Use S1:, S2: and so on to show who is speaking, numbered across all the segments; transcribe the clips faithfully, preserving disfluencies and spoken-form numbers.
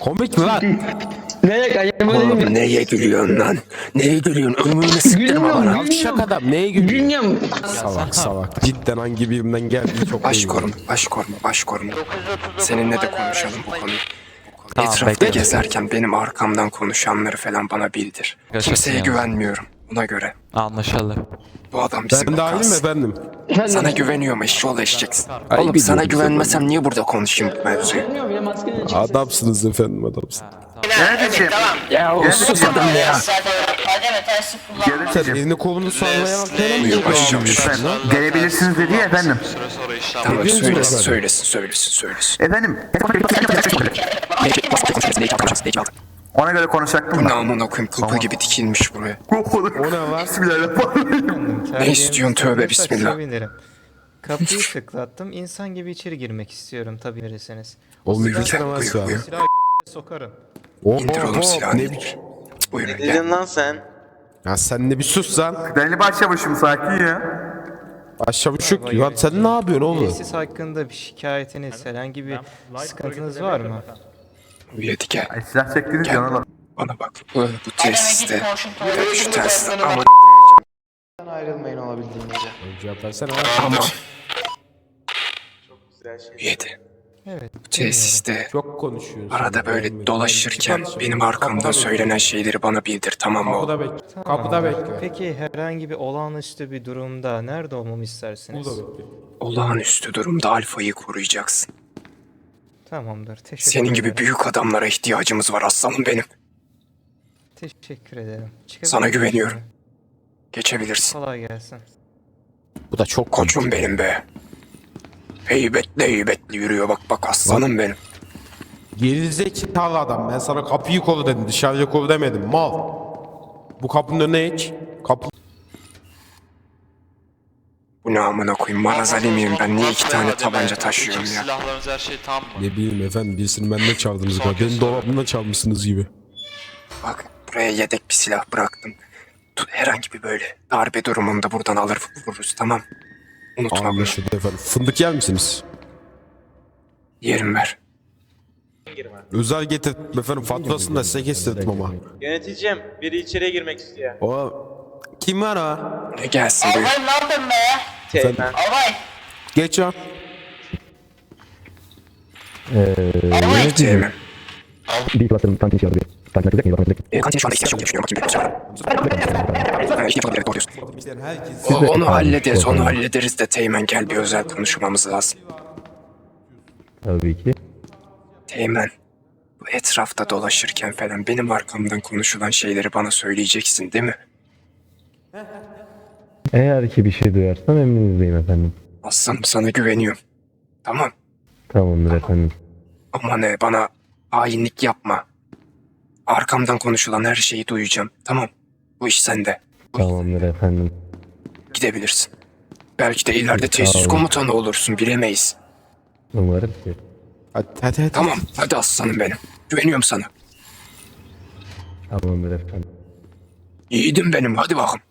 S1: Komik mi lan?
S2: Ne acaba değil mi?
S1: Neye gülüyorsun lan? Neye gülüyorsun? Ömrünü sıktırma bana. Alçak adam neye gülüyorsun?
S2: Gülüyorum.
S1: Salak salak. Cidden hangi birimden geldiği çok
S3: Baş
S1: belli.
S3: koruma, baş koruma, baş koruma. Seninle de konuşalım bu konuyu.
S4: Tamam,
S3: Etrafta
S4: bekle.
S3: gezerken benim arkamdan konuşanları falan bana bildir.
S4: Gerçekten
S3: Kimseye
S4: ya.
S3: güvenmiyorum ona göre.
S4: Anlaşıldı.
S3: Bu adam bizim
S1: Ben dahil mi
S3: vakası.
S1: efendim?
S3: Sana güveniyorum eşşoğlu eşeceksin.
S1: Ay,
S3: Oğlum
S1: bir
S3: sana
S1: dur,
S3: güvenmesem niye burada konuşayım bu mevzuyu?
S2: Bilmiyorum ya maskeni çıksın.
S1: Adamsınız efendim adamsınız.
S5: Evet tamam.
S3: Ya o sus adam ya.
S5: Zaten kademe tersi kullanma.
S1: Sen elini kolunu sallaya bak. Neden
S3: Buyur
S1: böyle
S3: başlayalım.
S1: yapıyorsun lan?
S6: Gelebilirsiniz dedi ya efendim.
S3: Tamam
S1: Hepiniz mi
S3: söylesin
S1: efendim?
S3: söylesin söylesin söylesin.
S6: Efendim. Ona göre konuşacaktım
S3: Bu
S6: da.
S3: namına koyayım kapı gibi dikilmiş buraya.
S1: O ne lan?
S6: Bismillahirrahmanirrahim.
S3: Ne istiyorsun tövbe
S7: Terbiyenizi
S3: bismillah.
S7: sevinirim. Kapıyı tıklattım. İnsan gibi içeri girmek istiyorum tabii verirseniz.
S1: O
S3: Buyur,
S1: müdürsen
S3: buyur,
S1: varsa.
S3: buyur.
S7: Silahı götüne sokarım.
S3: İndir oğlum silahını
S1: Ne
S3: indir.
S1: biçim?
S3: Buyurun
S8: Ne
S3: gel.
S8: dedin lan sen?
S1: Ya sen de bir sus lan.
S6: Deli başlamışım sakin ya.
S1: Aşağı buçuk. Ya sen ne yapıyorsun oğlum?
S7: Tesis hakkında bir şikayetiniz, herhangi bir sıkıntınız var mı?
S3: Yedi gel.
S6: Ay, silah çektiniz ya ona bak.
S3: Bana bak. Bu, bu tesiste. Tabii şu tesiste ama
S8: Ayrılmayın olabildiğince.
S1: Cevap versene.
S3: ama
S8: Güzel şey.
S3: yedi.
S7: Evet.
S3: Bu tesiste
S1: Çok konuşuyorsun.
S3: arada böyle dolaşırken benim arkamdan söylenen şeyleri bana bildir tamam mı oğlum?
S1: Kapıda bekle.
S7: Tamam.
S1: Kapıda bekle.
S7: Peki herhangi bir olağanüstü bir durumda nerede olmamı istersiniz?
S1: Burada bekle.
S3: Olağanüstü durumda alfayı koruyacaksın.
S7: Tamamdır. Teşekkür
S3: Senin gibi
S7: ederim.
S3: büyük adamlara ihtiyacımız var aslanım benim.
S7: Teşekkür ederim. Çıkabilir
S3: Sana
S7: miyim?
S3: güveniyorum. Geçebilirsin.
S7: Kolay gelsin.
S1: Bu da çok komik.
S3: Koçum benim be. Heybetli heybetli yürüyor bak bak aslanım benim.
S1: Gerizekalı adam. Ben sana kapıyı koru dedim. Dışarıya koru demedim. Mal. Bu kapının önüne geç. Kapı.
S3: Bu ne amına koyayım marazali miyim ben niye iki tane tabanca taşıyorum ya.
S4: Silahlarınız her şey tam mı?
S1: Ne bileyim efendim. Birisini benden çaldınız galiba. Benim dolabımdan çalmışsınız gibi.
S3: Bak buraya yedek bir silah bıraktım. Tut, herhangi bir böyle darbe durumunda buradan alır vururuz tamam. Unutma bunu.
S1: Anlaşıldı efendim. Fındık yer misiniz?
S3: Yerim ver.
S1: Özel getirdim efendim. Faturasını da size kestirdim ama.
S8: Yöneticim, biri içeriye girmek istiyor.
S1: O kim var o?
S3: Ne gelsin buyur.
S5: Albay ne yapıyorsun be?
S8: Teğmen.
S5: Albay.
S1: Geç o.
S5: Albay.
S3: Teğmen.
S9: Bir klasörün kantin işi abi. Kantin açılacak mıydı? Bakın.
S3: E, kantin şu anda ihtiyaç yok diye düşünüyorum. Bakayım bir bekliyorsun. Ha, ihtiyaç olabilir, doğru diyorsun.
S1: Herkes.
S3: O, onu hallederiz, onu hallederiz de Teğmen gel bir özel konuşmamız lazım.
S9: Tabii ki.
S3: Teğmen, bu etrafta dolaşırken falan benim arkamdan konuşulan şeyleri bana söyleyeceksin değil mi?
S9: Eğer ki bir şey duyarsam emrinizdeyim efendim.
S3: Aslanım sana güveniyorum. Tamam
S9: Tamamdır efendim.
S3: ama ne bana hainlik yapma. Arkamdan konuşulan her şeyi duyacağım. Tamam bu iş sende.
S9: Tamamdır efendim.
S3: Gidebilirsin. Belki de ileride tesis
S9: Sağ olun.
S3: komutanı olursun bilemeyiz.
S9: Umarım ki.
S1: Hadi hadi hadi.
S3: Tamam hadi aslanım benim. Güveniyorum sana.
S9: Tamamdır efendim.
S3: Yiğidim benim hadi bakalım.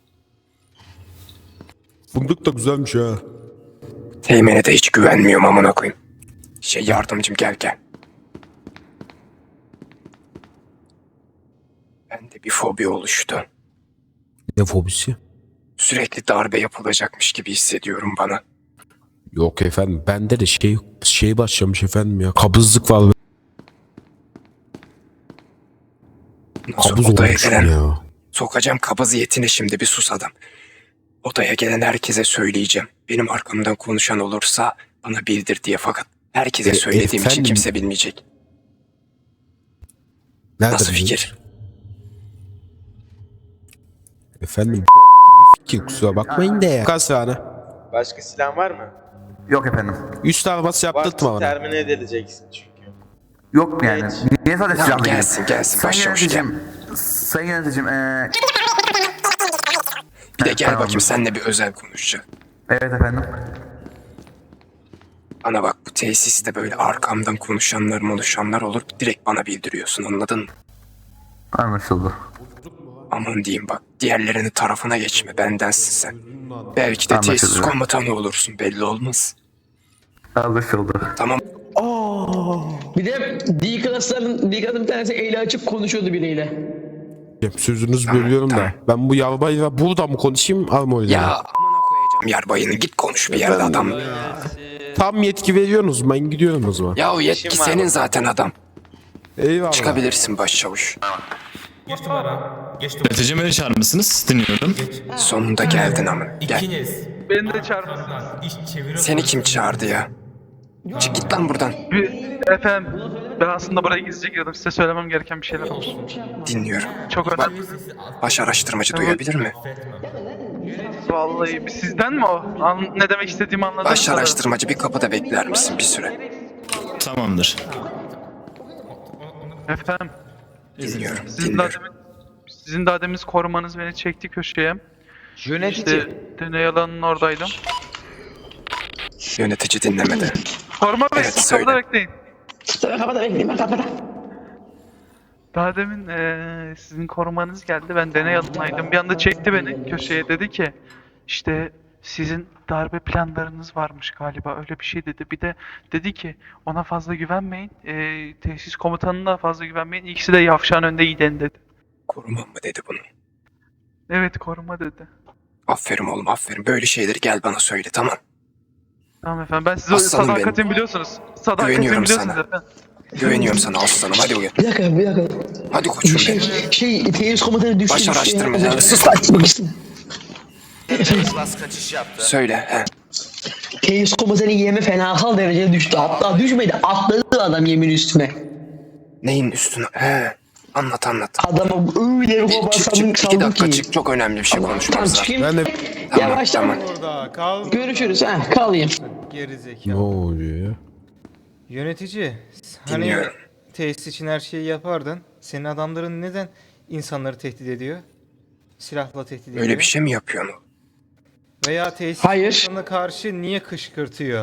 S1: Fındık da güzelmiş ha.
S3: Teğmen'e de hiç güvenmiyorum amına koyayım. Şey yardımcım gel gel. Bende bir fobi oluştu.
S1: Ne fobisi?
S3: Sürekli darbe yapılacakmış gibi hissediyorum bana.
S1: Yok efendim. Bende de şey şey başlamış efendim ya. Kabızlık var.
S3: Nasıl
S1: Kabız
S3: odaya
S1: olmuşum
S3: gelen,
S1: ya.
S3: sokacağım kabız yetine şimdi bir sus adam. Odaya gelen herkese söyleyeceğim. Benim arkamdan konuşan olursa bana bildir diye fakat herkese
S1: E,
S3: söylediğim için
S1: efendim?
S3: kimse bilmeyecek.
S1: Nerede
S3: Nasıl
S1: bu?
S3: fikir?
S1: Efendim gibi fikir kusura bakmayın da ya. Kaç tane?
S8: Başka silah var mı?
S6: Yok efendim.
S1: Üst arabası yaptırtma
S8: Vakti
S1: bana.
S8: termine edileceksin çünkü.
S6: Yok yani. Niye sadece
S3: Tamam
S6: silahla
S3: gelsin gelsin
S6: Sayın
S3: başlamış gel.
S6: yöneticim. Sayın yöneticim. Ee...
S3: Bir de gel
S6: Tamam.
S3: bakayım seninle bir özel konuşacağım.
S6: Evet efendim.
S3: Bana bak bu tesiste böyle arkamdan konuşanlar konuşanlar olur direkt bana bildiriyorsun anladın mı?
S6: Anlaşıldı.
S3: Aman diyeyim bak diğerlerinin tarafına geçme bendensin sen. Belki de tesis
S6: Anlaşıldı.
S3: komutanı olursun belli olmaz.
S6: Anlaşıldı.
S3: Tamam.
S1: Aa,
S2: Bir de D-Class'ların, D-Class'ın bir tanesi eli açıp konuşuyordu biriyle.
S1: Hep sözünüzü bölüyorum da. Ben bu yarbayla burada mı konuşayım Armo'yla?
S3: Ya amına koyacağım yarbayını, git konuş bir yerde adam.
S1: Tam yetki veriyorsunuz, ben gidiyorum o zaman.
S3: Ya o yetki senin zaten adam.
S1: Eyvallah.
S3: Çıkabilirsin başçavuş.
S10: Yönetici beni çağırmışsınız. Dinliyorum.
S3: Sonunda geldin ama. Gel.
S8: Beni de çarpın.
S3: Seni kim çağırdı ya? Çık git lan buradan.
S8: Efendim, ben aslında buraya gizlice girdim. Size söylemem gereken bir şeyler olsun.
S3: Dinliyorum.
S8: Çok önemli.
S3: Baş araştırmacı duyabilir mi?
S8: Vallahi sizden mi o? An ne demek istediğimi anladın
S3: Baş araştırmacı bir kapıda bekler misin bir süre?
S10: Tamamdır.
S8: Efendim,
S3: Dinliyorum.
S8: sizin daha
S3: Dinliyorum.
S8: demin, sizin daha demin korumanız beni çekti köşeye. İşte deney alanının oradaydım.
S3: Yönetici dinlemedi.
S8: Koruma bey,
S3: Evet, söyle.
S8: kapıda bekleyin.
S2: Sonra kapıda bekleyin, ben kapıda.
S8: Daha demin eee, sizin korumanız geldi. Ben deney alanındaydım. Bir anda çekti beni köşeye. Dedi ki işte sizin darbe planlarınız varmış galiba. Öyle bir şey dedi. Bir de dedi ki ona fazla güvenmeyin. Eee, tesis komutanına fazla güvenmeyin. İkisi de yavşağın önünde gidin dedi.
S3: Korumam mı dedi bunu?
S8: Evet, koruma dedi.
S3: Aferin oğlum aferin. Böyle şeyleri gel bana söyle, tamam.
S8: Tamam efendim. Ben size
S3: Aslanım
S8: sadakatimi
S3: benim.
S8: biliyorsunuz. Sadakatimi
S3: Güveniyorum
S8: biliyorsunuz
S3: sana.
S8: efendim.
S3: Güveniyorum sana aslanım, hadi uyan.
S2: Bir dakika, bir dakika.
S3: Hadi koçum
S2: Şey,
S3: benim.
S2: şey, teyiz komutanı düştü.
S3: Baş
S2: düştü ya.
S3: araştırmacı.
S2: Az önce-
S3: Sus lan.
S2: Bak işte.
S3: Söyle he.
S2: Teyiz komutanı yeme fenasal derecede düştü. Hatta düşmedi, atladı adam yemin üstüne.
S3: Neyin üstüne? He. Anlat anlat.
S2: Adama öyle bir
S3: Çık
S2: baba
S3: çık
S2: saldım
S3: çık. İki dakika
S2: ki.
S3: çık. Çok önemli bir şey
S2: Tamam,
S3: konuşmamız lazım.
S2: çıkayım.
S1: Ben de...
S3: Tamam
S2: Yavaştan.
S3: tamam.
S7: Orada kal.
S2: Görüşürüz, ha, kalayım.
S7: Gerizekalı.
S1: Ne oluyor ya?
S7: Yönetici, hani
S3: Dinliyorum.
S7: tesis için her şeyi yapardın. Senin adamların neden insanları tehdit ediyor? Silahla tehdit ediyor.
S3: Öyle bir şey mi yapıyorsun?
S7: Veya tesis
S2: Hayır.
S7: komutanına karşı niye kışkırtıyor?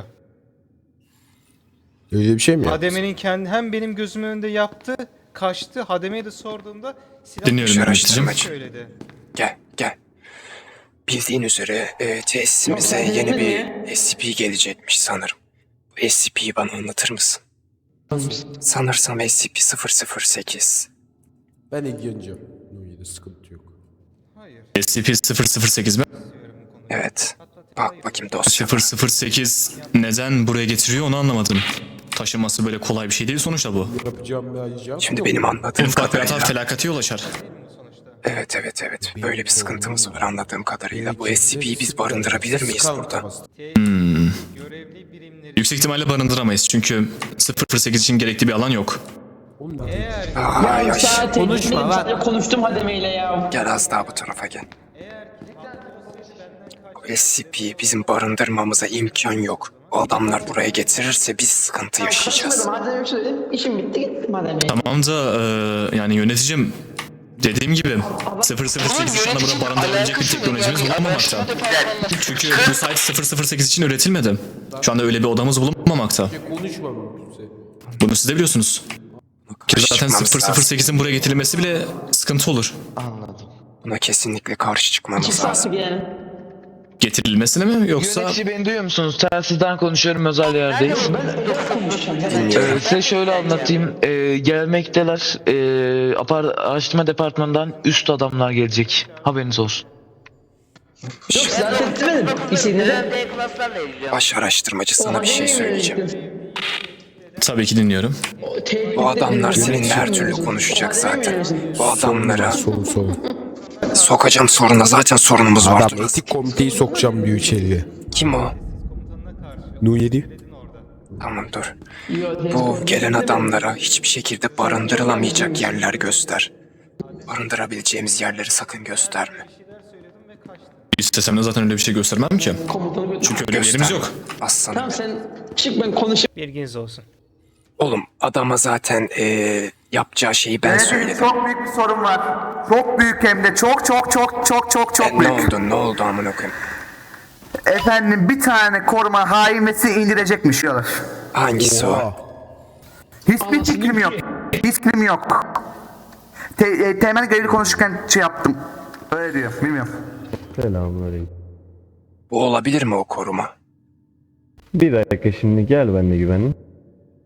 S1: Öyle bir şey mi yaptın?
S7: Hademe'nin kendi hem benim gözümün önünde yaptı, kaçtı. Hademe'ye de sorduğumda silah
S10: Dinliyorum
S3: Baş
S10: yöneticim.
S3: araştırmacı.
S7: söyledi.
S3: Gel gel. Bildiğin üzere e, tesisimize
S2: Yok, sen
S3: yeni
S2: dinlemedin
S3: bir S C P gelecekmiş sanırım. Bu S C P'yi bana anlatır mısın? Sanırsam S C P sıfır sıfır sekiz.
S1: Ben ilgileneceğim. Nuyede sıkıntı yok.
S7: Hayır.
S10: S C P sıfır sıfır sekiz mi?
S3: Evet. Bak bakayım dosya.
S10: sıfır sıfır sekiz neden buraya getiriyor onu anlamadım. Taşıması böyle kolay bir şey değil sonuçta bu.
S1: Yapacağım bir ayıcağım.
S3: Şimdi benim anladığım
S10: En ufak bir hata
S3: kadarıyla.
S10: felakate yol açar.
S3: Evet evet evet. Böyle bir sıkıntımız var anladığım kadarıyla. Bu S C P'yi biz barındırabilir miyiz burada?
S7: Görevli birimleri
S10: Yüksek ihtimalle barındıramayız çünkü sıfır sıfır sekiz için gerekli bir alan yok.
S7: eğer
S3: Ay ay.
S2: Zaten
S1: Konuşma lan.
S2: konuştum hademeyle ya.
S3: Gel az daha bu tarafa gel. Bu S C P'yi bizim barındırmamıza imkan yok. O adamlar buraya getirirse biz sıkıntı yaşayacağız.
S2: Madem söyledim, işim bitti, gittim hademeyle.
S10: Tamam da e, yani yöneticim dediğim gibi sıfır sıfır sekiz şu anda burada barındırabilecek bir teknolojimiz bulunmamakta. Çünkü bu site sıfır sıfır sekiz için üretilmedi. Şu anda öyle bir odamız bulunmamakta.
S1: Konuşma mümkünse.
S10: Bunu siz de biliyorsunuz. Ki zaten
S3: Çıkmamız
S10: sıfır sıfır
S3: lazım.
S10: sekizin buraya getirilmesi bile sıkıntı olur.
S3: Buna kesinlikle karşı çıkmamız
S2: İki
S3: lazım.
S2: saatlik yani.
S10: Getirilmesine mi yoksa
S11: Yönetici beni duyuyor musunuz? Telsizden konuşuyorum, özel yerdeyiz. Ee, size şöyle anlatayım. Ee, gelmekteler. Ee, apar araştırma departmanından üst adamlar gelecek. Haberiniz olsun.
S2: Yok zaten demedim. İstediğinde
S5: D-Class'larla ilgili.
S3: Baş araştırmacı sana bir şey söyleyeceğim.
S10: tabii ki dinliyorum.
S3: Bu adamlar seninle her türlü konuşacak zaten. Bu adamlara
S1: Sorun sorun.
S3: sokacağım soruna, zaten sorunumuz var.
S1: Adam etik komiteyi sokacağım diyor içeriye.
S3: Kim o?
S1: Nuyedi.
S3: Tamam dur. Bu gelen adamlara hiçbir şekilde barındırılamayacak yerler göster. Barındırabileceğimiz yerleri sakın gösterme.
S10: İstesem de zaten öyle bir şey göstermem ki.
S2: komutanı
S10: Çünkü öyle bir yerimiz yok.
S3: Aslanım.
S2: Tamam sen çık, ben konuşayım.
S7: bilginiz olsun.
S3: Oğlum adama zaten eee, yapacağı şeyi ben söyledim.
S6: Çok büyük bir sorun var. Çok büyük hem de çok çok çok çok çok çok
S3: E, ne
S6: büyük.
S3: oldu ne oldu amına koyayım?
S6: Efendim bir tane koruma haimesi indirecekmiş yola.
S3: Hangisi o?
S6: Hiçbir fikrim yok. Hiç fikrim yok. Te e, temel görevli konuşurken şey yaptım. Öyle diyor. Bilmiyorum.
S9: Selamünaleyküm.
S3: Bu olabilir mi o koruma?
S9: Bir dakika şimdi gel benimle güvenli.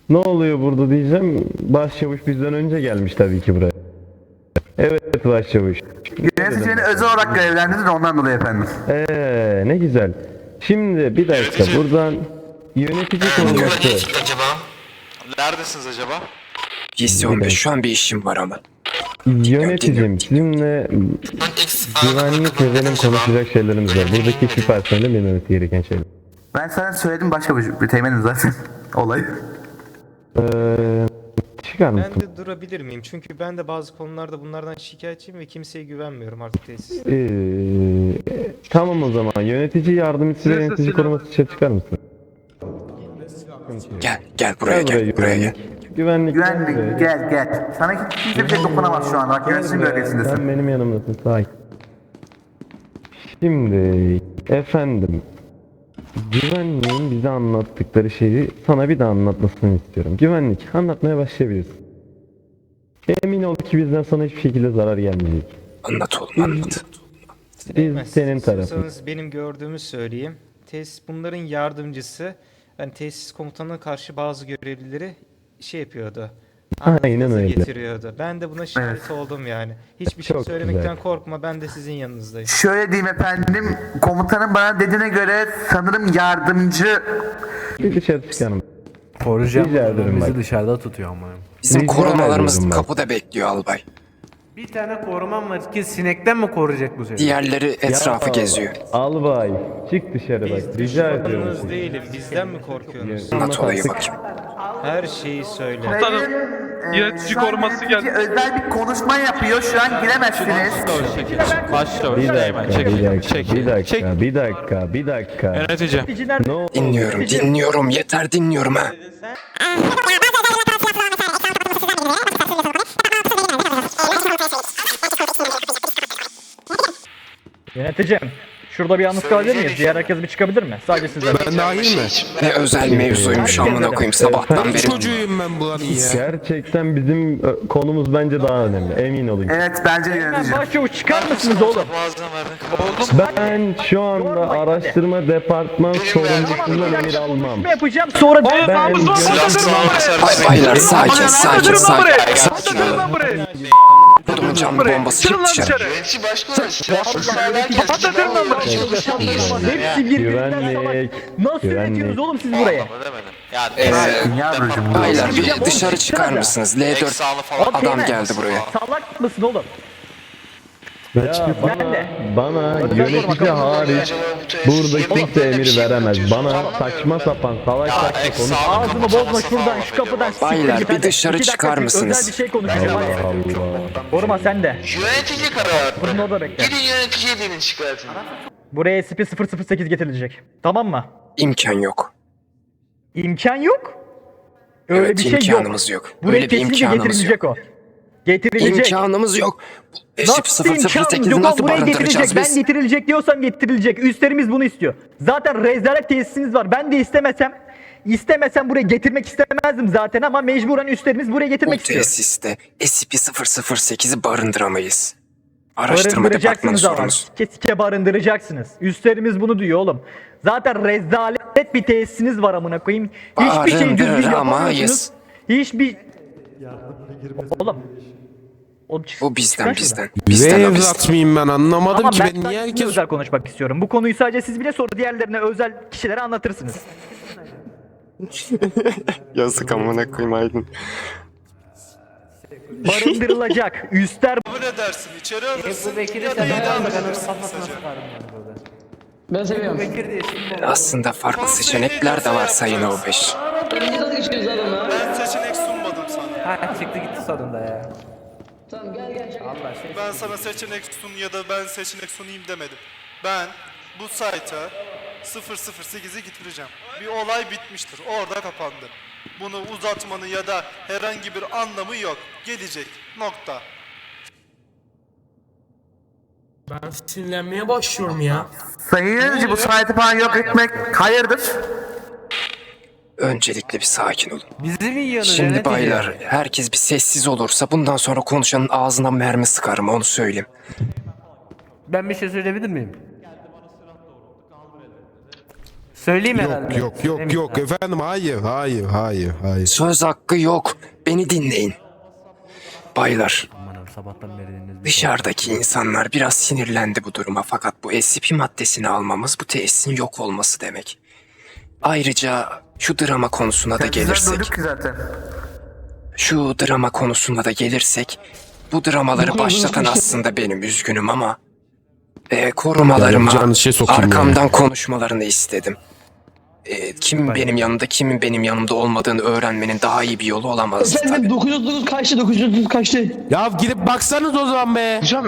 S9: Ne oluyor burada diyeceğim. Başçavuş bizden önce gelmiş tabii ki buraya. Evet başçavuş.
S6: Yönetici beni özel olarak görevlendirdi de ondan dolayı efendim.
S9: Eee ne güzel. Şimdi bir dakika buradan yönetici konuması.
S4: Neredesiniz acaba?
S3: Gizli on beş şu an bir işim var ama.
S9: Yöneticim sizinle güvenlik ve benim konuşacak şeylerimiz var. Buradaki hiçbir personelin bilmemesi gereken şeyler.
S6: Ben sana söyledim başka bir, bir teğmenim zaten olayı.
S9: Eee çıkar
S7: Ben
S9: mısın?
S7: de durabilir miyim? Çünkü ben de bazı konularda bunlardan şikayetçiyim ve kimseye güvenmiyorum artık tesis.
S9: Ee, tamam o zaman yönetici yardımcısı ve
S8: Size
S9: yönetici
S8: silah-
S9: koruması dışarı çıkar mısın?
S3: Gel gel buraya gel buraya gel.
S9: Güvenlik,
S6: Güvenlik gel gel. Sana kimse bir şey dokunamaz şu an. Bak yöneticinin bölgesindesin.
S9: Sen benim yanımdasın sakin. Şimdi efendim güvenliğin bize anlattıkları şeyi sana bir daha anlatmasını istiyorum. Güvenlik anlatmaya başlayabilirsin. Emin ol ki bizden sana hiçbir şekilde zarar gelmeyecek.
S3: Anlat oğlum anlat.
S9: Biz senin tarafın.
S7: İstiyorsanız benim gördüğümü söyleyeyim. Tesis bunların yardımcısı. Yani tesis komutanına karşı bazı görevlileri şey yapıyordu.
S9: Aynen
S7: anlatması
S9: öyle.
S7: Getiriyordu. Ben de buna şahit oldum yani. Hiçbir şey
S9: Çok
S7: söylemekten
S9: güzel.
S7: korkma. Ben de sizin yanınızdayım.
S6: Şöyle diyeyim efendim. Komutanın bana dediğine göre sanırım yardımcı.
S9: Bir dışarı çıkalım.
S12: Koruyacağım.
S9: Rica ederim
S12: Bizi
S9: bak.
S12: dışarıda tutuyor ama.
S3: Bizim
S9: Rica
S3: korumalarımız
S9: ediyorum bak.
S3: kapıda bekliyor albay.
S12: Bir tane korumam var ki sinekten mi koruyacak bu seni?
S3: Diğerleri etrafı
S9: Ya,
S3: geziyor.
S9: Albay çık dışarı bak rica ediyorum.
S7: Düşmanınız değilim. Bizden mi korkuyorsunuz?
S3: Anlat olayı
S9: artık.
S3: bakayım.
S7: Her şeyi söyle.
S8: Komutanım,
S6: Ee,
S8: yönetici
S6: şu an
S8: koruması
S6: yönetici
S8: geldi.
S6: özel bir konuşma yapıyor. Şu an giremezsiniz.
S4: Başla.
S9: Bir dakika, bir dakika, bir dakika, bir dakika, bir dakika.
S4: Yönetici.
S9: Ne oldu?
S3: Dinliyorum dinliyorum yeter dinliyorum ha.
S12: Yöneticim. Şurada bir yalnız kalabilir miyiz? Diğer herkes bir çıkabilir mi? Sadece sizler.
S1: Ben dahil mi?
S3: Ne özel mevzuymuş amına koyayım sabahtan beri.
S1: Çocuğuyum ben buranın ya.
S9: Gerçekten bizim ö, konumuz bence daha önemli. Emin olun.
S6: Evet bence de yönetici.
S12: Başçavuş çıkar mısınız oğlum?
S9: Ben şu anda araştırma departman sorumlusundan emir almam.
S12: Ne yapacağım? Sonra
S9: Ben
S8: Namı zor
S9: yönetici-
S3: Bay baylar sakin sakin sakin sakin olun.
S8: lan buraya.
S3: Kodumun cam bombası
S8: Çıkın
S3: çık
S8: lan
S3: dışarı.
S8: dışarı. Patlatın lan burayı.
S12: hepsi birbirinden
S9: Güvenlik.
S12: savaş. Nasıl
S9: Güvenlik.
S12: yönetiyorsunuz oğlum siz buraya?
S4: Yani
S3: Ee,
S6: Yavrucuğum.
S3: baylar bir dışarı çıkar mısınız? L dört
S4: Eksanlı falan.
S3: adam geldi buraya.
S12: Salak mısın oğlum?
S9: Ya bana,
S12: Nerede?
S9: bana yönetici hariç burada kimse emir veremez. Bana saçma sapan salak saçma konuş.
S12: Ağzımı bozma şuradan şu kapıdan. siktir
S3: Baylar,
S12: git
S3: bir
S12: hadi.
S3: dışarı
S12: İki dakika
S3: çıkar
S12: bir
S3: mısınız?
S12: Özel bir şey konuşacağım hadi.
S9: Allah.
S12: Koruma sen de.
S5: Yönetici kararı.
S12: Fırın orada bekle.
S5: Gidin yöneticiye denin şikayetini.
S12: Buraya S P sıfır sıfır sekiz getirilecek. Tamam mı?
S3: İmkan yok.
S12: İmkan yok. Öyle
S3: Evet,
S12: bir şey yok.
S3: imkanımız yok.
S12: Buraya
S3: Öyle bir
S12: kesinlikle
S3: imkanımız
S12: getirilecek o. Getirilecek.
S3: İmkanımız yok.
S12: Nasıl
S3: sıfır sıfır
S12: imkan
S3: sekizi
S12: yok?
S3: nasıl
S12: Buraya
S3: barındıracağız
S12: getirilecek. Ben
S3: biz?
S12: getirilecek diyorsam getirilecek. Üstlerimiz bunu istiyor. Zaten rezalet tesisiniz var. Ben de istemesem istemesem buraya getirmek istemezdim zaten ama mecburen üstlerimiz buraya
S3: Bu
S12: getirmek istiyor.
S3: tesiste S P sıfır sıfır sekizi barındıramayız. Araştırma departmanı
S12: Barındıracaksınız ama.
S3: sorumuz.
S12: Kesike barındıracaksınız. Üstlerimiz bunu diyor oğlum. Zaten rezalet bir tesisiniz var amına koyayım. Hiçbir şey düzgün
S3: Barındıramayız.
S12: yapamıyorsunuz. Hiçbir... Oğlum. Oğlum çık-
S3: Bu bizden
S12: çıkar
S3: bizden.
S12: şuradan.
S3: Bizden o
S1: Ve
S3: bizden.
S1: evlat mıyım ben anlamadım
S12: Ama
S1: ki
S12: ben
S1: ben niye
S12: sadece
S1: herkes...
S12: özel konuşmak istiyorum. Bu konuyu sadece siz bile sonra diğerlerine özel kişilere anlatırsınız.
S3: Yazık amına koyayım Aydın.
S12: Barındırılacak. Üstler
S2: Ben seviyorum.
S3: Aslında farklı seçenekler de var Sayın O beş.
S2: Ben nasıl geçiyoruz lan ona?
S12: Ben seçenek sunmadım sana. Ha çıktı gitti sonunda ya.
S2: Tamam gel gel.
S12: Allah şey.
S8: Ben sana seçenek sun ya da ben seçenek sunayım demedim. Ben bu site'a sıfır sıfır sekizi getireceğim. Bir olay bitmiştir. Orada kapandı. Bunu uzatmanın ya da herhangi bir anlamı yok. Gelecek. Nokta.
S12: Ben sinirlenmeye başlıyorum ya.
S6: Sayın yönetici bu saati falan yok etmek hayırdır?
S3: Öncelikle bir sakin olun.
S12: Bizi mi yiyorsunuz?
S3: Şimdi baylar herkes bir sessiz olursa bundan sonra konuşanın ağzına mermi sıkarım onu söyleyeyim.
S12: Ben bir şey söyleyebilir miyim?
S13: Söyleyeyim
S1: Yok
S13: herhalde.
S1: yok yok yok efendim hayır hayır hayır hayır.
S3: Söz hakkı yok. Beni dinleyin. Baylar,
S13: Sabahtan beri dinlediniz.
S3: dışarıdaki insanlar biraz sinirlendi bu duruma fakat bu S C P maddesini almamız bu tesisin yok olması demek. Ayrıca şu drama konusuna da
S6: Güzel
S3: gelirsek,
S6: duyduk ki zaten.
S3: şu drama konusuna da gelirsek, bu dramaları başlatan aslında benim, üzgünüm ama e, korumalarıma
S1: Yapacağınız şey sokayım
S3: arkamdan konuşmalarını istedim. E, kim benim yanımda, kimin benim yanımda olmadığını öğrenmenin daha iyi bir yolu olamazdı tabii.
S2: Efendim dokuz yüz otuz dokuz kaçtı dokuz yüz otuz dokuz kaçtı.
S1: Ya gidip baksanız o zaman be.
S11: Hocam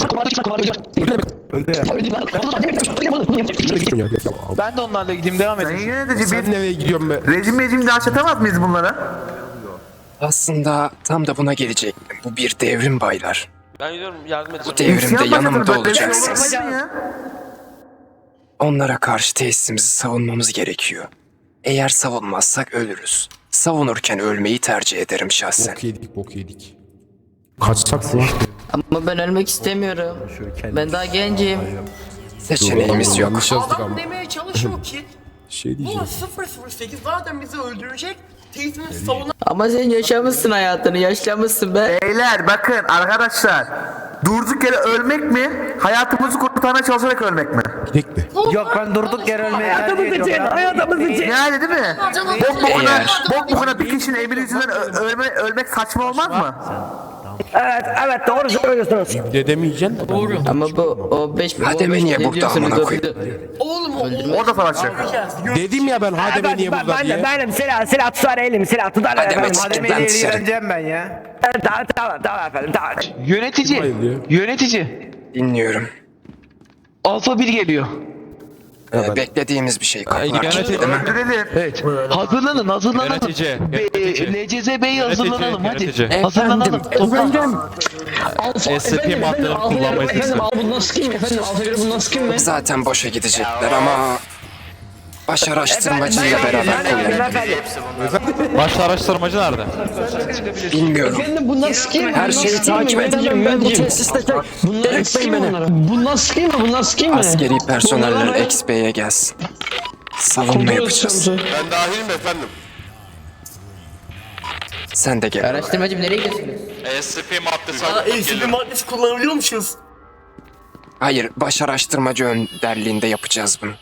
S11: ben de onlarla gideyim devam
S6: Sayın
S11: edin.
S6: yönetici
S1: Sen
S6: bir
S1: nereye gidiyorsun be?
S6: rejim rejim daha atamaz mıyız bunlara?
S3: Aslında tam da buna gelecektim. Bu bir devrim baylar.
S5: Ben gidiyorum yardım edeceğim.
S3: Bu devrimde
S6: İsyan
S3: yanımda
S6: başlatın, böyle bir şey
S3: olacaksınız.
S6: olmaz ya.
S3: Onlara karşı tesisimizi savunmamız gerekiyor. Eğer savunmazsak ölürüz. Savunurken ölmeyi tercih ederim şahsen.
S1: Bok yedik bok yedik. Kaçsak mı?
S13: Ama ben ölmek istemiyorum. Ben daha gencim.
S3: Seçeneğimiz yok.
S1: Yanlış yazdık ama.
S5: Adam demeye çalışıyor ki
S1: Şey
S5: bu
S1: diyeceğim.
S5: sıfır sıfır sekiz zaten bizi öldürecek. Tesisimizi savunan
S13: Ama sen yaşamışsın hayatını, yaşlamışsın be.
S6: Beyler bakın arkadaşlar. Durduk yere ölmek mi? Hayatımızı kurtarmaya çalışarak ölmek mi?
S1: Gidek de.
S13: Yok ben durduk yere ölmeyi tercih ediyorum. Hayatımız için.
S6: Yani değil mi? Bok bokuna,
S3: Eğer-
S6: bok bokuna bir kişinin emri yüzünden ö- ölme, ölmek saçma olmaz mı?
S13: Evet, evet doğru söylüyorsunuz.
S1: Dedemeyeceksin de. Doğru.
S13: Ama bu o beş
S3: Hademe niye burada amına koyayım?
S5: oğlum o
S6: Orada savaşacak.
S1: Dedim ya ben Hademe niye burada diye.
S13: benim silah silah tutar elim silah tutar
S3: Hademe çıkın lan dışarı.
S13: ben ya. Tamam tamam tamam efendim tamam.
S11: Yönetici,
S1: Bayılıyor.
S11: yönetici.
S3: Dinliyorum.
S11: Alfa bir geliyor.
S3: Ee, beklediğimiz bir şey. Kapılar kilitli değil mi?
S6: Öldürelim.
S11: Evet. Hazırlanın, hazırlanalım.
S4: Yönetici,
S11: Be-
S4: yönetici.
S11: L C Z B'yi hazırlanalım hadi.
S4: yönetici.
S11: Hazırlanalım. Toplan.
S2: Alfa
S4: S C P maddelerini kullanmayı
S2: efendim
S4: seçtim.
S2: al bundan sıkayım efendim alfa göre bundan sıkayım mı?
S3: Zaten boşa gidecekler ama baş araştırmacıyla beraber kullanın.
S4: Baş araştırmacı nerede?
S3: Bilmiyorum.
S2: Efendim bundan sıkayım mı?
S3: Her
S2: Bundan
S3: şeyi
S2: sıkayım mı?
S3: takip
S2: Yöneticim,
S3: edeceğim ben bu
S2: yöneticim.
S3: tesiste.
S2: Bundan sıkayım mı onlara? Bundan sıkayım mı? Bundan sıkayım mı?
S3: Askeri personeller X B'ye gelsin. Savunma yapacağız.
S5: Ben dahilim efendim.
S3: Sen de gel.
S13: Araştırmacım nereye gidiyorsunuz?
S4: S C P maddesi
S5: Aa L C D maddesi kullanabiliyormuşuz.
S3: Hayır, baş araştırmacı önderliğinde yapacağız bunu.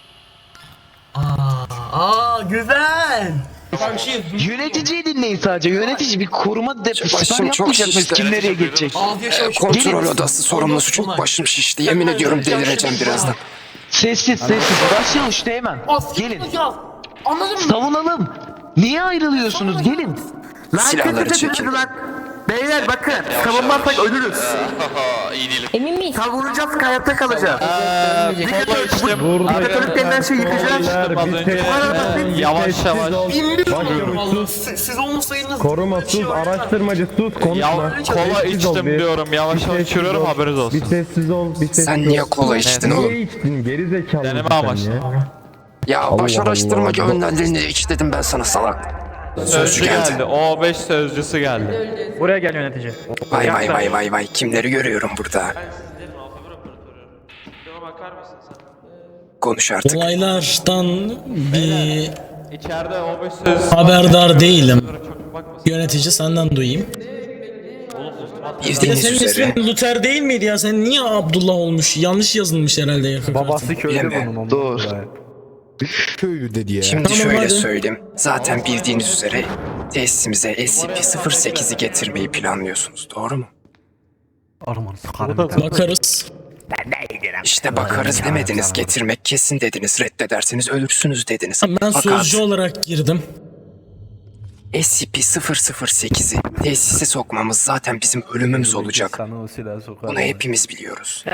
S5: Aa güzel.
S11: Yöneticiyi dinleyin sadece. Yönetici bir koruma deposu
S3: Başım çok
S11: yapmayacak mıyız?
S3: şişti.
S11: Kim nereye geçecek?
S3: Ee, kontrol odası sorumlusu çok başım şişti. Yemin ediyorum delireceğim birazdan.
S11: Sessiz sessiz. Başlayalım işte hemen. Gelin.
S5: Anladın mı?
S11: Savunalım. Niye ayrılıyorsunuz? Gelin.
S6: Lan
S3: Silahları
S6: kötü
S3: çekin.
S6: kötü lan. Beyler bakın savunmazsak ölürüz.
S4: iyi değil.
S13: Emin miyiz?
S6: Savunacağız hayatta kalacağız.
S4: Kola içtim.
S6: Diktatörlük denilen şeyi yıkacağız.
S4: Az önce yavaş yavaş.
S5: Bilmiyorum valla. Siz, siz olmasaydınız.
S9: Koruma sus, araştırmacı sus, konuşma.
S4: Ya, kola
S9: Sessiz ol
S4: içtim
S9: bir.
S4: diyorum. Yavaş
S9: Bir
S4: yavaş
S9: sessiz
S4: yürüyorum
S9: ol.
S4: haberiniz
S9: Bir
S4: olsun.
S9: sessiz ol, bir sessiz
S3: Sen
S9: ol.
S3: niye kola içtin oğlum?
S9: Niye içtin? Geri zekalı
S4: Deneme
S9: mısın
S4: amaçlı.
S9: ya?
S3: Ya baş
S9: Allah
S3: araştırmacı
S9: Allah.
S3: önderliğinde iç dedim ben sana salak.
S4: Sözcü geldi. O beş sözcüsü geldi.
S12: Buraya gel yönetici.
S3: Vay vay vay vay vay kimleri görüyorum burada. Konuş artık.
S14: Olaylardan bir
S4: İçeride O beş sözcüsü.
S14: haberdar değilim. Yönetici senden duyayım.
S3: Bildiğiniz
S14: Senin
S3: üzere
S14: ismin Luther değil miydi ya? Sen niye Abdullah olmuş? Yanlış yazılmış herhalde yakın.
S9: Babası köylü
S3: Bilemiyorum.
S9: bunun.
S11: Doğru.
S1: Köylü dedi ya.
S3: şimdi
S14: Tamam,
S3: şöyle
S14: hadi.
S3: söyleyeyim. Zaten bildiğiniz üzere tesisimize S C P sıfır sekizi getirmeyi planlıyorsunuz doğru mu?
S14: Bakarız.
S3: İşte bakarız demediniz, getirmek kesin dediniz, reddederseniz ölürsünüz dediniz.
S14: Ben
S3: Fakat
S14: sözcü olarak girdim.
S3: S C P sıfır sıfır sekizi tesise sokmamız zaten bizim ölümümüz olacak. Bunu hepimiz biliyoruz.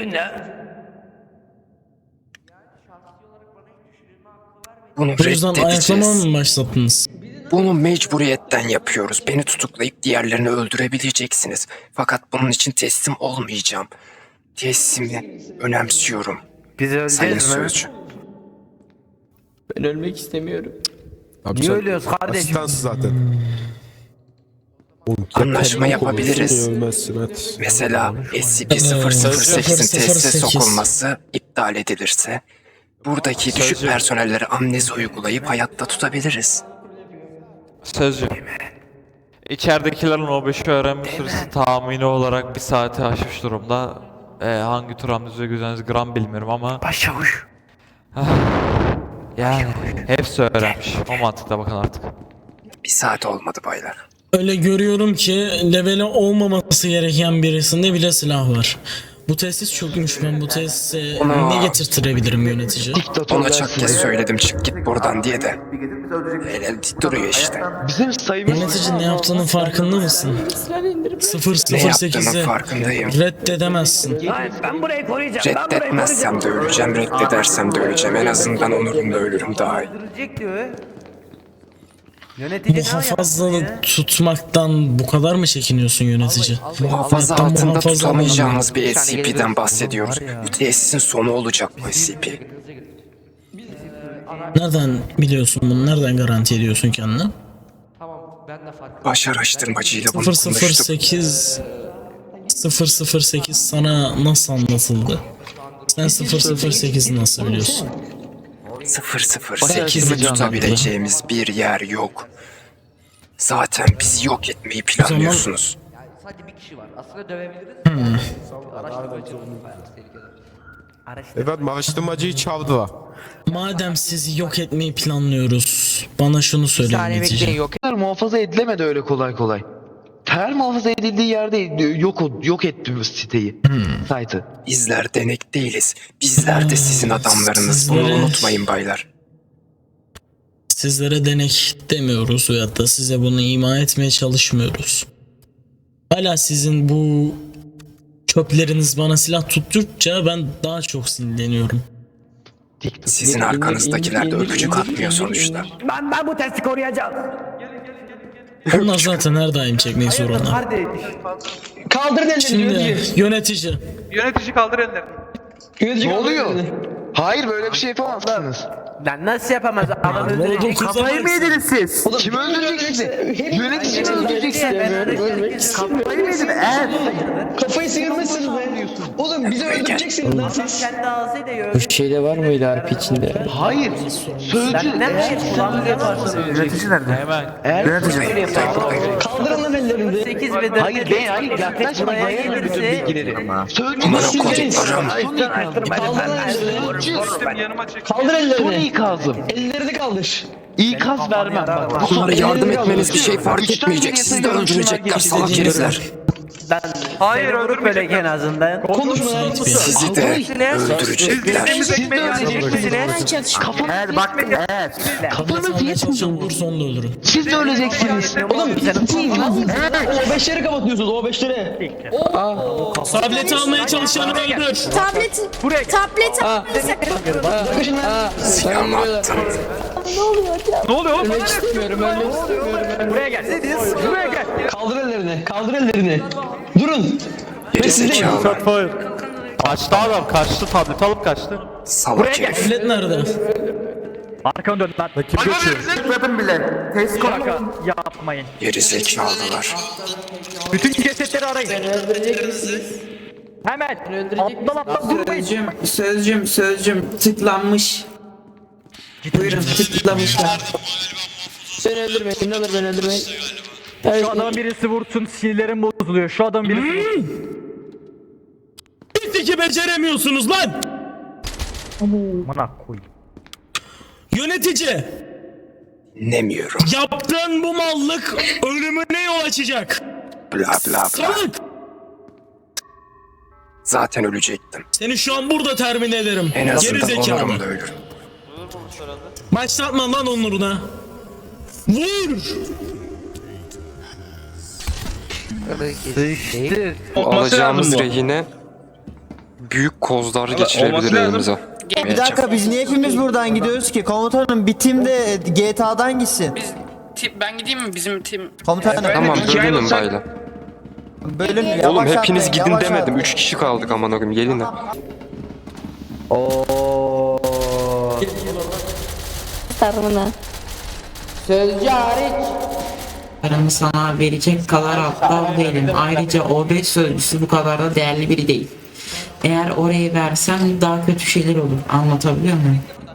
S3: Bunu
S14: Bu yüzden ayaklama
S3: reddedeceğiz.
S14: mı başlattınız?
S3: Bunu mecburiyetten yapıyoruz. Beni tutuklayıp diğerlerini öldürebileceksiniz. Fakat bunun için teslim olmayacağım. Teslim'i önemsiyorum.
S13: Biz
S3: Sayın
S13: öleceğiz mi?
S3: Sözcü.
S13: Ben ölmek istemiyorum.
S1: Abi
S13: Niye
S1: sen
S13: ölüyoruz kardeşim?
S1: asistansın zaten. Oğlum,
S3: Anlaşma
S1: kendi
S3: yapabiliriz.
S1: konuşsun, ölmezsin, hadi.
S3: Mesela S C P sıfır sıfır sekizin tesise
S14: sıfır sıfır sekiz.
S3: sokulması iptal edilirse Buradaki düşük personelleri amnezi uygulayıp hayatta tutabiliriz.
S4: Sözcü. İçeridekilerin O beşi öğrenme süresi tahmini olarak bir saati aşmış durumda. Ee, hangi tür amnezi uygulayacaksınız gram bilmiyorum ama...
S3: Başavuş.
S4: Yani hepsi öğrenmiş. O mantıkla bakın artık.
S3: Bir saat olmadı baylar.
S14: Öyle görüyorum ki leveli olmaması gereken birisinde bile silah var. Bu tesis çökmüş. Ben bu tesise
S3: Ona-
S14: ne getirtirebilirim yönetici?
S3: Ona çok kez söyledim çık git buradan diye de. El el dik duruyor işte.
S11: Bizim sayımız...
S14: Yönetici ne yaptığının farkında mısın? sıfır
S3: Ne
S14: sıfır
S3: yaptığının
S14: sekizi
S3: farkındayım.
S14: reddedemezsin.
S3: Reddetmezsem de öleceğim, reddedersem de öleceğim. En azından onurumla ölürüm daha iyi.
S14: Muhafazalı tutmaktan bu kadar mı çekiniyorsun yönetici?
S3: Muhafaza
S14: Hayattan
S3: altında
S14: muhafaza
S3: tutamayacağımız
S14: olmalı.
S3: bir S C P'den bahsediyoruz. Bu tesisin sonu olacak bu S C P.
S14: Nereden biliyorsun bunu? Nereden garanti ediyorsun kendini?
S3: Baş araştırmacıyla bunu
S14: sıfır sıfır
S3: konuştuk.
S14: sekiz sıfır sıfır sekiz sana nasıl anlatıldı? Sen sıfır sıfır sekizi nasıl biliyorsun?
S3: sıfır sıfır sekizi tutabileceğimiz bir yer yok. Zaten bizi yok etmeyi planlıyorsunuz.
S14: Hmm.
S1: Evet, araştırmacıyı çaldılar.
S14: Madem sizi yok etmeyi planlıyoruz, bana şunu söyle yönetici.
S11: Ter muhafaza edilemedi öyle kolay kolay. Ter muhafaza edildiği yerde yok yok etti bu siteyi. Site'ı.
S3: Bizler denek değiliz. Bizler de sizin adamlarınız. Bunu
S14: Sizlere-
S3: unutmayın baylar.
S14: Sizlere denek demiyoruz veyahut da size bunu ima etmeye çalışmıyoruz. Hala sizin bu çöpleriniz bana silah tuttukça ben daha çok sinirleniyorum.
S3: Sizin arkanızdakiler de öpücük atmıyor sonuçta.
S12: Ben ben bu testi koruyacağım.
S14: Onlar zaten her daim çekmeyi sorunlar.
S2: Kaldırın ellerini
S14: Şimdi
S2: yönetici.
S14: yönetici.
S8: Yönetici kaldır ellerini.
S2: Yönetici
S11: Ne
S2: kaldır
S11: oluyor?
S2: ellerini.
S11: Hayır böyle bir şey yapamazsınız.
S12: Lan nasıl yapamaz? Adam öldürecek.
S6: Kafayı mı yediniz siz?
S11: Kim öldürecek sizi? Yönetici mi öldürecek sizi?
S6: Kafayı mı yediniz? Evet.
S2: Kafayı sıyırmışsınız be. Oğlum bizi öldüreceksiniz lan siz.
S12: Kendi ağzıyla yiyor.
S13: Bu şeyde var mıydı harp içinde?
S11: Hayır. Sözcü.
S12: Ne mi? Kulağını yaparsın.
S6: Yönetici nerede?
S4: Hemen.
S6: Yönetici.
S2: Kaldırın lan ellerini.
S12: sekiz bedel.
S11: Hayır ben hayır yaklaşma
S12: Buraya
S11: yayarım bütün
S12: gelirse-
S11: bilgileri. Sözcü.
S3: Aman
S11: Sözcü.
S3: koduklarım.
S2: Kaldır lan ellerini.
S8: Sistem yanıma çek.
S2: Kaldır
S11: Son
S2: ellerini.
S11: ikazım.
S2: Ellerini kaldır.
S11: İkaz vermem bak. Bu son
S3: Onlara yardım
S2: ellerini
S3: etmeniz bir şey fark
S11: Üçten
S3: etmeyecek.
S11: geriye
S3: Sizi de
S11: sayıyorum,
S3: öldürecekler
S11: şunlar
S3: salak
S11: gelecek.
S3: herifler.
S8: Hayır öldürmeyecekler.
S12: en azından.
S2: Konuşma lan.
S3: Sizi de öldürecekler.
S8: Bildiğimiz ekmeği
S11: Öleceksiniz. Kafanı
S6: Evet bak evet.
S14: Kafanı almaya çalışan olursa onu da öldürün.
S11: siz de öleceksiniz.
S2: Oğlum O beşleri kapatıyorsunuz O beşleri.
S14: Tableti almaya çalışanı öldür.
S15: Tablet. Buraya. Tablet almayı sakın.
S2: Bakın lan.
S3: Silahımı attım.
S8: Ne oluyor oğlum?
S13: Ölmek istemiyorum, ölmek istemiyorum.
S12: Buraya gel. Buraya gel.
S2: Kaldır ellerini. Kaldır ellerini. Durun.
S3: Gerizekalı.
S4: Kaçtı adam, kaçtı, tablet alıp kaçtı.
S3: Salak herif.
S14: Tablet nerede?
S12: Arkanı dön lan.
S6: Tıkladım bile. Test konu.
S12: Şaka yapmayın.
S3: Gerizekalılar.
S12: Bütün cesetleri arayın. Hemen. Aptal aptal durmayın.
S13: Sözcüm, sözcüm, sözcüm tıklanmış. Buyurun tıklamışlar. Beni öldürmeyin, ne olur beni öldürmeyin.
S12: Şu adamın birisi vursun, sinirlerim bozuluyor. Şu adamın birisi vursun.
S14: Bizdeki beceremiyorsunuz lan.
S12: Amına koyayım.
S14: Yönetici.
S3: Dinlemiyorum.
S14: Yaptığın bu mallık ölümüne yol açacak.
S3: Bla bla bla.
S14: Salak.
S3: Zaten ölecektim.
S14: Seni şu an burada termin ederim.
S3: En
S14: Geri
S3: azından
S14: zekalı.
S3: onurumla ölürüm.
S14: Başlatma lan onuruna. Vur.
S3: Alacağımız rehine büyük kozlar geçirebilir elimize.
S16: Bir dakika biz niye hepimiz buradan gidiyoruz ki? Komutanım bir tim de G T A'dan gitsin.
S15: Ben gideyim mi bizim tim?
S16: Komutanım.
S3: Tamam bölünün bayla.
S16: Bölün yavaş
S3: Oğlum hepiniz
S16: atlayın,
S3: gidin
S16: yavaş
S3: demedim.
S16: atlayın.
S3: Üç kişi kaldık aman akım gelin de.
S15: Sarmına. Sözcü hariç. Paramı sana verecek kadar aptal değilim. Ayrıca O beş sözcüsü bu kadar da değerli biri değil.
S13: Eğer orayı versem daha kötü şeyler olur. Anlatabiliyor muyum?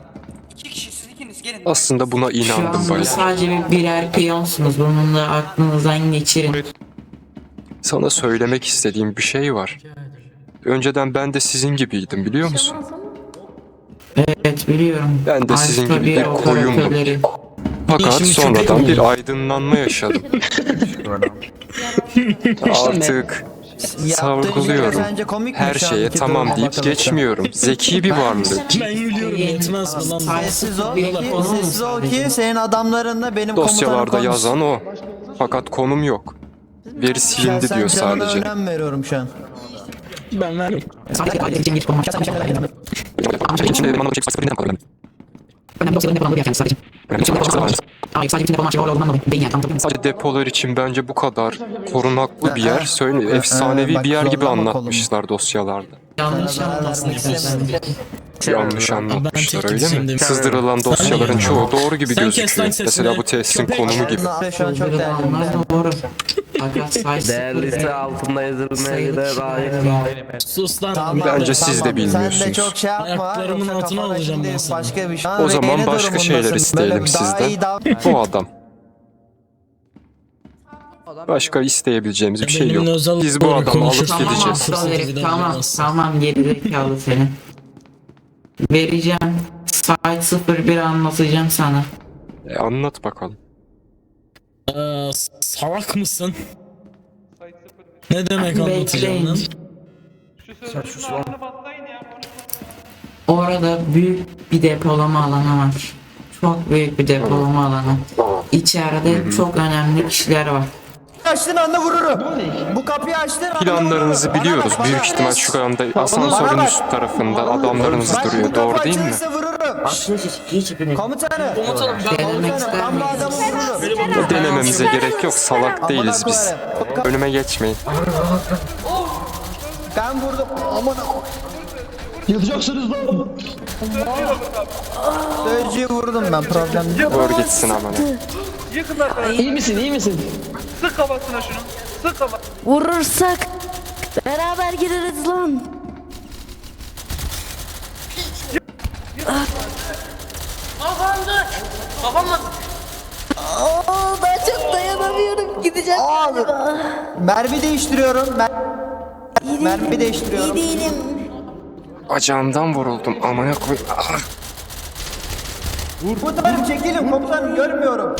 S3: Aslında buna
S13: Şu
S3: inandım
S13: anda
S3: bayağı.
S13: sadece bir birer piyonsunuz. Bunun da aklınızdan geçirin.
S3: Sana söylemek istediğim bir şey var. Önceden ben de sizin gibiydim biliyor musun?
S13: Evet biliyorum.
S3: Ben de sizin
S13: Alfa
S3: gibi
S13: bir
S3: bir koyundum.
S13: operatörleri.
S3: Fakat
S14: Şimdi
S3: sonradan
S14: köpek
S3: bir
S14: oldu.
S3: aydınlanma yaşadım. Artık sorguluyorum.
S16: Sence komik mi
S3: Her
S16: şu
S3: şeye
S16: anki
S3: tamam
S16: duruma
S3: deyip
S16: bakılırsa?
S3: geçmiyorum. Zeki bir varlık.
S14: Ben gülüyorum yetmez mi lan?
S16: Sessiz ol ki, sessiz ol ki senin adamların da benim komutanım
S3: Dosyalarda
S16: konuşsun.
S3: yazan o. Fakat konum yok. Veri silindi
S16: Şahsen
S3: diyor
S16: canına
S3: sadece.
S16: önem veriyorum şu an.
S14: Ben veririm.
S13: Sadece kaydedeceğim geç konum.
S3: İçinde benim anlamadığım şey sıfır binden kalıyor.
S13: Önemli dosyaların depolandığı bir yer kendisi sadece. Hayır sadece bütün depolan şey olduğundan dolayı değil yani anlatabiliyor muyum?
S3: Sadece depolar için bence bu kadar korunaklı bir yer, söyle efsanevi bir yer gibi anlatmışlar dosyalarda.
S13: Yanlış anlamasın istersen.
S3: Yanlış anlatmışlar
S14: tek
S3: öyle
S14: gideceğim
S3: mi?
S14: demiş.
S3: Sızdırılan
S14: Sen
S3: dosyaların
S14: mi?
S3: çoğu doğru gibi
S14: Sen kes
S3: gözüküyor.
S14: lan sesini.
S3: Mesela bu tesisin
S14: Köpek.
S3: konumu gibi.
S16: Şu an çok değerli.
S13: Onlar doğru. Fakat sayısı
S17: Değerlisi altında yazılmaya göre layık.
S14: Sus lan.
S16: Tamam,
S3: Bence siz de
S16: tamam. Sen de
S3: bilmiyorsunuz.
S16: çok şey yapma.
S14: Ayaklarımın
S16: yoksa
S14: altına
S16: kafana
S14: alacağım
S16: şimdi
S14: ben seni.
S16: Başka bir şey.
S3: O zaman
S16: Rehine
S3: başka şeyler
S16: durumundasın.
S3: isteyelim
S16: Böyle daha
S3: sizden.
S16: iyi davran-
S3: Bu adam. Başka isteyebileceğimiz bir şey yok.
S14: Benimle özel
S3: Biz bu
S14: olarak
S3: adamı alıp
S14: konuşursun.
S13: Tamam
S3: gideceğiz.
S13: aptal herif
S14: Bir de
S13: tamam
S14: olmaz.
S13: tamam gerizekalı senin. Vereceğim. Site sıfır bir anlatacağım sana.
S3: E, anlat bakalım.
S14: Ee, salak mısın? Ne demek anlatacağım lan?
S13: Orada büyük bir depolama alanı var. Çok büyük bir depolama alanı. İçeride çok önemli kişiler var.
S16: Açtığın anda vururum. Bu kapıyı açtığın anda
S3: Planlarınızı
S16: vururum.
S3: biliyoruz.
S16: Bana bak,
S3: Büyük
S16: bana
S3: ihtimal
S16: bak.
S3: şu anda
S16: Bana
S3: asansörün
S16: bak.
S3: üst tarafında adamlarınız
S16: Bak,
S3: duruyor.
S16: bu
S3: Doğru
S16: kapı
S3: değil mi?
S16: açılırsa vururum. Komutanım.
S13: Denemek ister
S16: Ben bu
S13: miyiz?
S16: adamı vururum.
S3: Denememize gerek yok. Salak değiliz biz. Önüme geçmeyin.
S16: Ben vurdum. Aman
S2: Yatacaksınız lan.
S16: Sözcüğü vurdum ben, problem yok.
S3: Vur gitsin amına.
S2: İyi misin iyi misin?
S8: Sık kafasına şunu. Sık kafasına.
S15: Vurursak beraber gireriz lan.
S5: Kafamda. Kafamda.
S15: Oo, daha çok dayanamıyorum. Gideceğim galiba.
S16: Mermi değiştiriyorum. Mer
S15: İyi
S16: mermi
S15: değilim,
S16: değiştiriyorum.
S15: İyi değilim.
S3: Bacağımdan vuruldum. Amına koy. Ah!
S16: Komutanım çekilin, komutanım görmüyorum.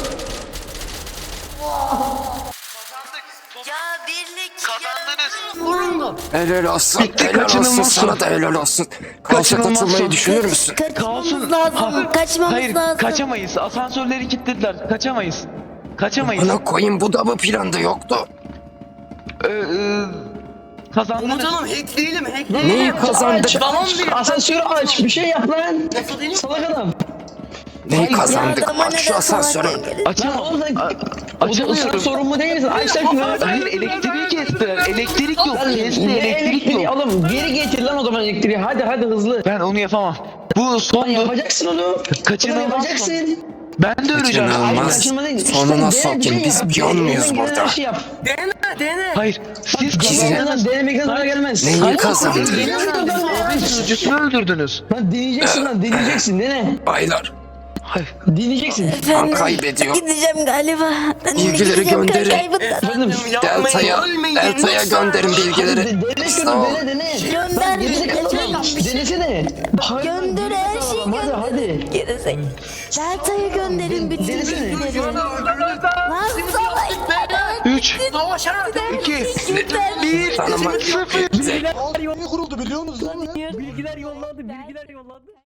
S15: Ya birlik
S5: Vurun.
S3: Helal olsun. Helal olsun. Sana da helal olsun. Kaosa katılmayı düşünür müsün?
S15: kaçmamız lazım. Kaçmamız
S11: Hayır
S15: lazım.
S11: kaçamayız. Asansörleri kilitlediler. Kaçamayız. Kaçamayız.
S3: Amına koyayım bu da mı planda yoktu?
S11: Ee, e, kazandınız.
S5: Komutanım hackleyelim hackleyelim.
S3: Neyi kazandık?
S5: Tamam bir.
S2: Asansörü aç bir şey yap lan.
S5: Nasıl değil mi?
S2: Salak adam.
S3: Neyi kazandık?
S15: Yardıma
S3: Aç şu
S15: neden
S3: asansörü.
S15: salak değil?
S11: Açamam.
S2: Lan oğlum,
S11: A-
S2: O zaman sen
S11: Açamıyorum.
S2: sorumlu değil misin? Aç lan şunu.
S11: Hayır elektriği kestiler. Elektrik yok. Kesti
S2: Ne
S11: elektrik
S2: elektriği?
S11: yok.
S2: Oğlum geri getir lan o zaman elektriği. Hadi hadi hızlı.
S11: Ben onu yapamam. Bu
S2: Lan
S11: son
S2: yapacaksın onu.
S11: Kaçınılmaz
S2: Oğlum yapacaksın.
S11: Ben de öleceğim.
S3: Kaçınılmaz.
S2: Kaçınma değil.
S3: Sonuna
S2: dene,
S3: sokayım,
S2: bir şey
S3: biz
S2: yap.
S3: piyon muyuz
S2: Elinden gelen
S3: burada?
S2: her şey yap.
S5: Dene dene.
S11: Hayır. Siz
S3: Size-
S2: Kazanmadan denemekten zarar gelmez.
S3: Neyi
S2: Hadi.
S3: kazandık?
S2: Dene lan.
S11: sözcüsünü öldürdünüz.
S2: Lan deneyeceksin lan deneyeceksin dene.
S3: Baylar.
S2: Deneyeceksin.
S3: Kan kaybediyor.
S15: Gideceğim galiba. Ben de
S3: Bilgileri
S15: gideceğim,
S3: gönderin.
S15: kaybettim.
S2: Efendim.
S3: Delta'ya, Delta'ya gönderin bilgileri.
S2: Dene
S3: Sağ
S2: şunu
S3: ol.
S2: dene dene.
S15: Gönder.
S2: Lan gerizekalı adam. Denesene.
S15: Gönder her şeyi
S2: Hadi
S15: gönder.
S2: hadi.
S15: Gerizek. Delta'ya gönderin bütün
S2: Denesene.
S15: bilgileri. Lan salak.
S11: Üç.
S5: Savaşa.
S11: iki.
S15: Bir.
S3: Tanımak yok.
S2: Bilgiler yollandı biliyor musunuz? Bilgiler yollandı bilgiler yollandı.